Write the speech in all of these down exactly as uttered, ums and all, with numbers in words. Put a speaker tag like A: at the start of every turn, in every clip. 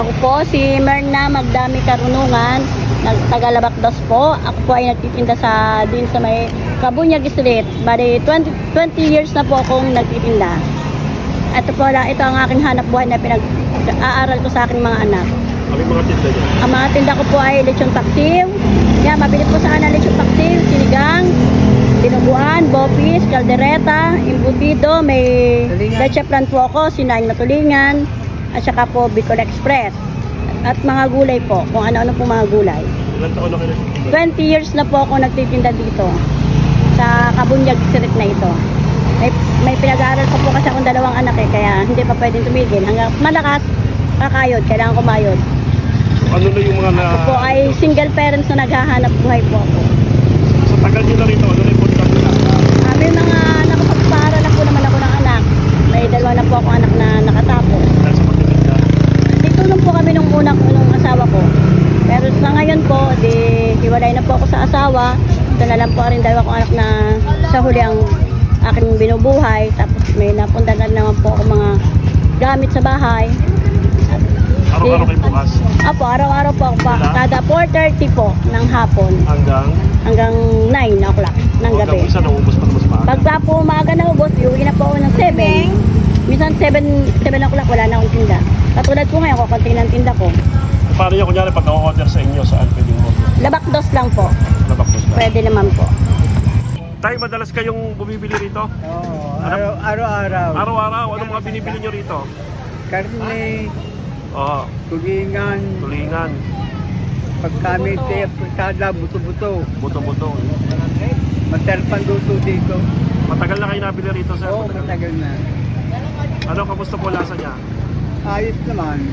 A: Ako po si Merna Magdami Karunungan, taga-Labakdas po. Ako po ay nagtitinda sa din sa may Kabunyag Street. Bali twenty, twenty years na po akong nagtitinda. Ito po, ito ang aking hanap buhay na pinag-aaral ko sa aking mga anak.
B: Ano yung mga tinda niyo? Ang
A: mga tinda ko po ay lechon paksiw. Yan, mabili po sa akin lechon paksiw, sinigang, dinuguan, bopis, kaldereta, imbutido, may leche plan po ako, sinaing na tulingan, at saka po Bicol Express. At mga gulay po, kung ano-ano po mga gulay.
B: Ilan taon na kayo nagtitinda?
A: twenty years na po ako nagtitinda dito sa Kabunyag Street na ito. May, may pinag-aaral pa po kasi akong dalawang anak eh, kaya hindi pa pwedeng tumigil. Hanggang malakas, kakayod, kailangan kumayod.
B: Ano na yung mga na...
A: Ako po ay single parents na naghahanap buhay po ako.
B: Sa tagal nyo na rito, ano na yung punta nila?
A: Uh, may mga nakapagpaaral na po naman ako ng anak. May dalawa na po ako anak na nakatapos.
B: Dahil sa pagtitinda?
A: Ditulong po kami nung unang unang asawa ko. Pero sa ngayon po, di hiwalay na po ako sa asawa. Ito na lang po rin dalawa kong anak na sa huli ang aking binubuhay. Tapos may napunta na naman po ako mga gamit sa bahay.
B: Araw-araw kayo bukas?
A: Apo, araw-araw po ako pa. Kada four thirty po ng hapon.
B: Hanggang?
A: Hanggang nine o'clock ng gabi.
B: Hanggang isa naubos pa naman sa maaga?
A: Pagka po umaga na ubos, iuwi na po ako ng seven. Minsan seven o'clock wala na akong tinda. Katulad po ngayon, kukunti ng tinda ko.
B: Paano nyo kunyari pag na-order sa inyo, saan pwedeng mo?
A: Labakdos lang po.
B: Labakdos lang.
A: Pwede naman po.
B: Tay, madalas kayong bumibili rito?
C: Oo, araw- araw-araw.
B: Araw-araw, anong mga binibili nyo rito?
C: Karne,
B: Oo,
C: tulingan,
B: tulingan,
C: pag kami kada buto-buto.
B: buto-buto.
C: Masarap ang luto dito.
B: Matagal na kayo nabili rito, sir?
C: Oo, matagal na.
B: Ano, kamusta po lasa niya?
C: Ayos naman.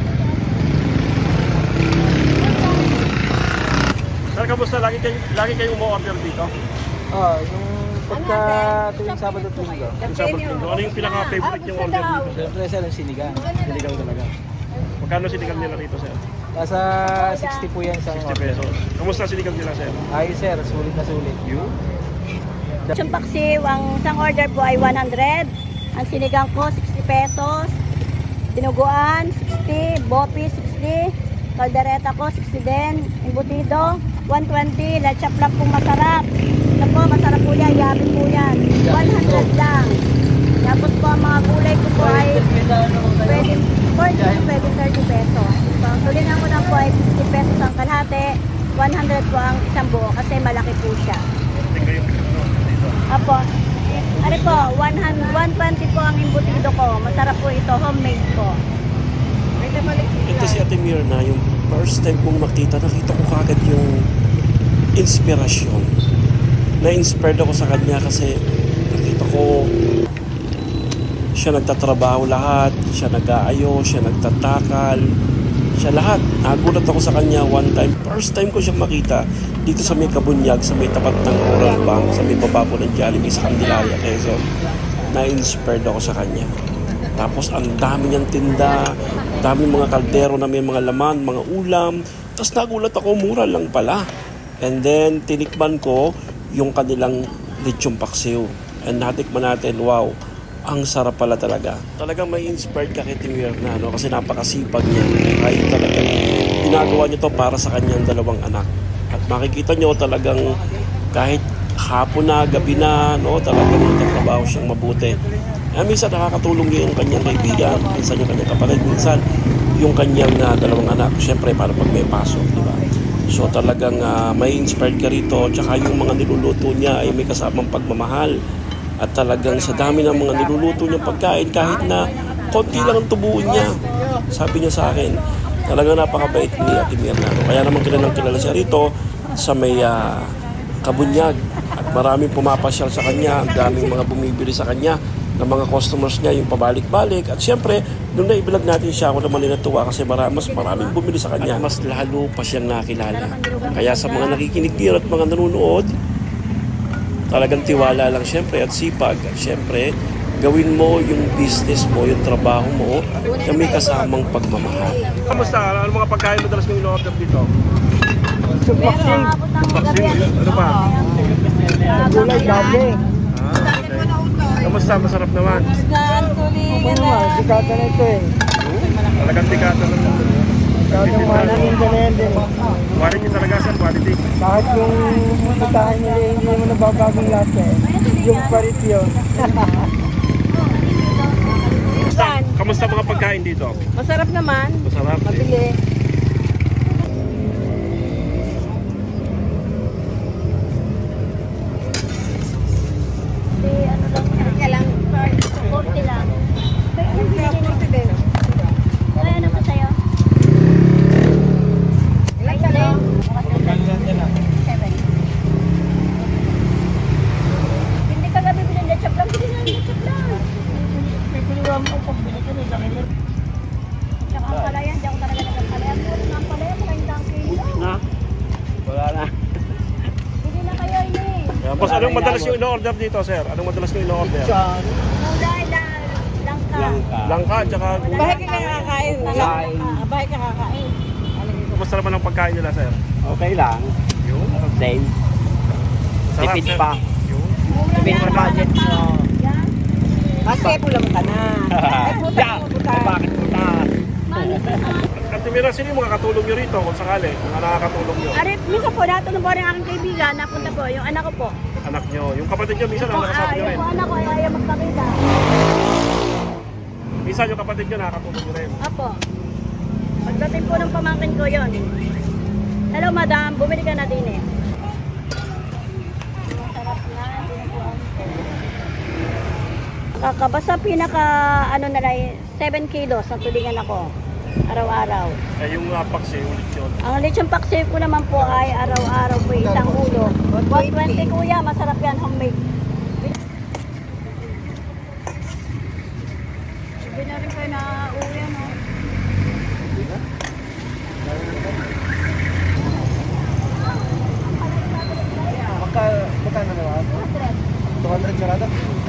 B: Sir, kamusta? Lagi kayo, lagi kayo umu-order dito?
D: Oh, yung pagka tuwing Sabado at Linggo.
B: Yung sa Linggo. Ano yung pinaka-favorite yung order dito, sir?
D: Siyempre sir, yung sinigang. Sinigang talaga.
B: Magkano sinigang nila rito, sir?
D: Nasa sixty po yan sa
B: sixty pesos. Kamusta sinigang nila, sir?
D: Ay sir, sulit na sulit.
B: You?
A: Yung paksiw, ang isang order po ay one hundred. Ang sinigang ko, sixty pesos. Dinuguan, sixty. Bopi, sixty. Kaldereta ko, sixty din. Imbutido, one twenty. Leche plan po masarap. Ito po, masarap po yan. Yummy po yan. one hundred lang. Tapos po, ang mga gulay ko po ay pwede forty, pwede thirty pesos. So, tulingan ko lang po ay fifty pesos ang kalahati. one hundred po ang isang buo kasi malaki po siya.
B: Tingnan yung ano dito.
A: Apo. Ano po, one hundred, one twenty po ang imbutido ko. Masarap po ito, homemade po.
E: Ito si Ate Mirna, yung first time kong makita, nakita ko kagad yung inspirasyon. Na-inspired ako sa kanya kasi nakita ko siya nagtatrabaho lahat, siya nag-aayo, siya nagtatakal, siya lahat. Nagulat ako sa kanya one time. First time ko siya makita dito sa may Kabunyag, sa may tapat ng Rural Bank, sa may bababo ng Jollibee sa Candelaria, Quezon. Na-inspired ako sa kanya. Tapos ang dami niyang tinda, dami mga kaldero na may mga laman, mga ulam. Tapos nagulat ako, mura lang pala. And then tinikman ko yung kanilang lechon paksiw. And natikman natin, wow, ang sarap pala talaga. Talagang may inspired ka kay Timir na, no? Kasi napakasipag niya. Kahit talagang ginagawa niya to para sa kanyang dalawang anak. At makikita niyo talagang kahit hapon na, gabi na, no? Talagang nagtatrabaho siyang mabuti. Eh, minsan nakakatulong niya yung kanyang kaibigan, minsan yung kanyang kapatid, minsan yung kanyang uh, dalawang anak. Siyempre, para pag may pasok, di ba? So talagang uh, may inspired ka rito. Tsaka yung mga niluluto niya ay may kasamang pagmamahal. At talagang sa dami ng mga niluluto niyang pagkain, kahit na konti lang ang tubuin niya, sabi niya sa akin, talagang napakabait ni Ate Mirna. Kaya naman kilalang kilala siya rito sa may uh, Kabunyag. At maraming pumapasyal sa kanya, ang daming mga bumibili sa kanya ng mga customers niya, yung pabalik-balik. At siyempre, nung naibilag natin siya, ako naman natuwa kasi mara, mas maraming bumili sa kanya. At mas lalo pa siyang nakilala. Kaya sa mga nakikinig dito at mga nanonood, talagang tiwala lang siyempre at sipag. Siyempre, gawin mo yung business mo, yung trabaho mo na may kasamang pagmamahal.
B: Kamusta? Ano mga pagkain madalas mong in-order dito?
A: Meron, abot ng gabi.
B: Ano pa?
C: Gulay, gabi.
B: Ah, okay. Kamusta? Masarap naman.
A: Tulingan
C: Ano naman, sikata na ito eh.
B: Talagang tikata ng
C: Masyadong mahal ang Indonesian din.
B: Quality talaga sir, quality.
C: Kahit yung putahin nila, hindi mo nababagong lasa eh. Yung parit yun.
B: Kamusta, kamusta mga pagkain dito?
A: Masarap naman.
B: Masarap.
A: Mabili. Di ano lang yan. Kaya lang. forty lang. forty din. Ay, ano pa sa'yo? Ilan ka lang? seven. Hindi ka gabi bilhin na chop lang. Bilhin na chop lang. Tsaka ang palayan, di ako talaga nagpapalayan. Puro na ang palayan, maraming dang kilo.
C: Ha? Wala na.
A: Hindi na kayo ini.
B: Yan, boss, anong madalas yung ino-order dito sir? Anong madalas yung ino-order?
C: Chan.
A: Kulay na langka.
C: Langka.
B: Langka, tsaka
A: Bahay ka kakakain.
C: Kain.
A: Bahay ka kakain.
B: kamusta naman ang pagkain nila sir?
C: Okay lang.
B: Yun.
C: Same.
B: Sarap,
C: Tipid
B: sir.
C: pa.
B: Yun.
C: Tipid pa budget mo.
A: Yan.
C: Maske pulang ka na. Ay puta. Bakit puta?
B: Ate Mira, sino yung mga katulong nyo rito kung sakali? Mga nakakatulong nyo?
A: Arit, minsan po, natulong po rin aking kaibigan. Napunta po, yung anak ko po.
B: Anak nyo. Yung kapatid nyo, minsan
A: Yung,
B: nakakasama
A: ah,
B: nyo rin.
A: yung anak ko ay ayaw magpakita.
B: Minsan yung kapatid nyo nakakatulong nyo rin.
A: Apo. Pagdating po ng pamangkin ko yon. Hello madam, bumili ka na din eh. Masarap na, dinuguan ko. Kakabasa pinaka ano na lang, seven kilos ang tulingan ako. Araw-araw.
B: Eh, yung uh, paksi, ulit yun.
A: Ang lechon paksiw ko naman po ay araw-araw po isang ulo. one twenty kuya, masarap yan homemade. Hindi na rin kayo na-uwi ano.
C: Magka, magkano naman? two hundred sarado?